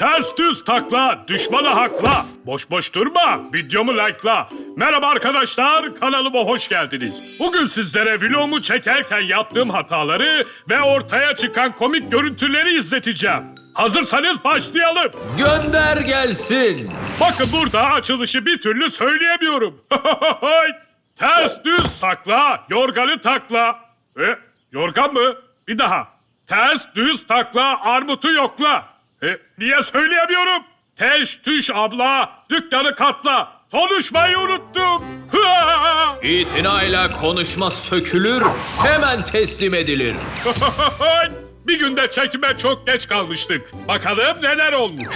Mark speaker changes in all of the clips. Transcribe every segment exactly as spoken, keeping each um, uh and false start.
Speaker 1: Ters düz takla, düşmanı hakla. Boş boş durma, videomu like'la. Merhaba arkadaşlar, kanalıma hoş geldiniz. Bugün sizlere vlogumu çekerken yaptığım hataları ve ortaya çıkan komik görüntüleri izleteceğim. Hazırsanız başlayalım.
Speaker 2: Gönder gelsin.
Speaker 1: Bakın burada açılışı bir türlü söyleyemiyorum. Ters düz takla, yorganı takla. E, yorgan mı? Bir daha. Ters düz takla, armutu yokla. E, niye söyleyemiyorum? Teş tüş abla, dükkanı katla. Konuşmayı unuttum.
Speaker 2: İtinayla konuşma sökülür, hemen teslim edilir.
Speaker 1: Bir günde çekime çok geç kalmıştık. Bakalım neler olmuş.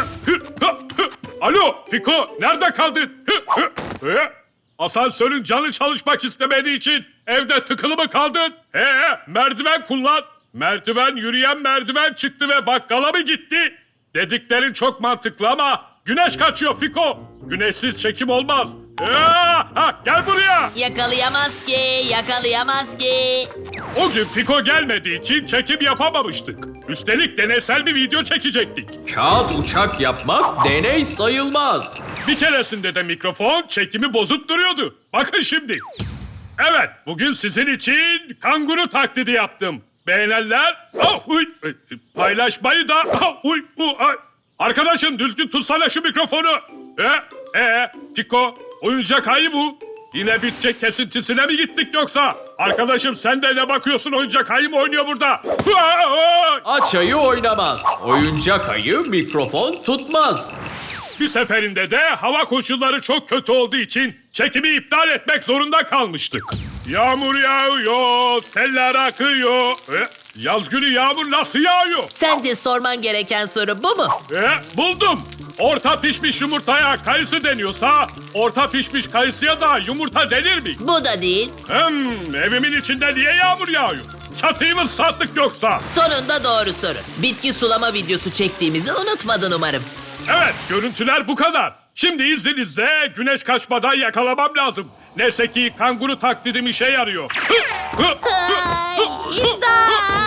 Speaker 1: Alo Fiko, nerede kaldın? Asansörün canı çalışmak istemediği için evde tıkılı mı kaldın? He, merdiven kullan. Merdiven yürüyen merdiven çıktı ve bakkala mı gitti? Dediklerin çok mantıklı ama güneş kaçıyor Fiko. Güneşsiz çekim olmaz. Ee, ha, gel buraya.
Speaker 3: Yakalayamaz ki, yakalayamaz ki.
Speaker 1: O gün Fiko gelmediği için çekim yapamamıştık. Üstelik deneysel bir video çekecektik.
Speaker 2: Kağıt uçak yapmak deney sayılmaz.
Speaker 1: Bir keresinde de mikrofon çekimi bozup duruyordu. Bakın şimdi. Evet, bugün sizin için kanguru taklidi yaptım. Beğenenler oh, uy, paylaşmayı da oh, uy, uy, ay. Arkadaşım düzgün tutsana şu mikrofonu. E, e, Fiko, oyuncak ayı bu. Yine bitecek kesintisine mi gittik yoksa? Arkadaşım sen de ne bakıyorsun, oyuncak ayı mı oynuyor burada?
Speaker 2: Aç ayı oynamaz. Oyuncak ayı mikrofon tutmaz.
Speaker 1: Bir seferinde de hava koşulları çok kötü olduğu için çekimi iptal etmek zorunda kalmıştık. Yağmur yağıyor, seller akıyor. E, yaz günü yağmur nasıl yağıyor?
Speaker 3: Sence sorman gereken soru bu mu?
Speaker 1: E, buldum. Orta pişmiş yumurtaya kayısı deniyorsa, orta pişmiş kayısıya da yumurta denir mi?
Speaker 3: Bu da değil.
Speaker 1: Hmm, evimin içinde niye yağmur yağıyor? Çatıyı mı sattık yoksa?
Speaker 3: Sonunda doğru soru. Bitki sulama videosu çektiğimizi unutmadın umarım.
Speaker 1: Evet, görüntüler bu kadar. Şimdi izninizle güneş kaçmadan yakalamam lazım. Neyse ki kanguru taklidim işe yarıyor.
Speaker 3: Ay, imdat!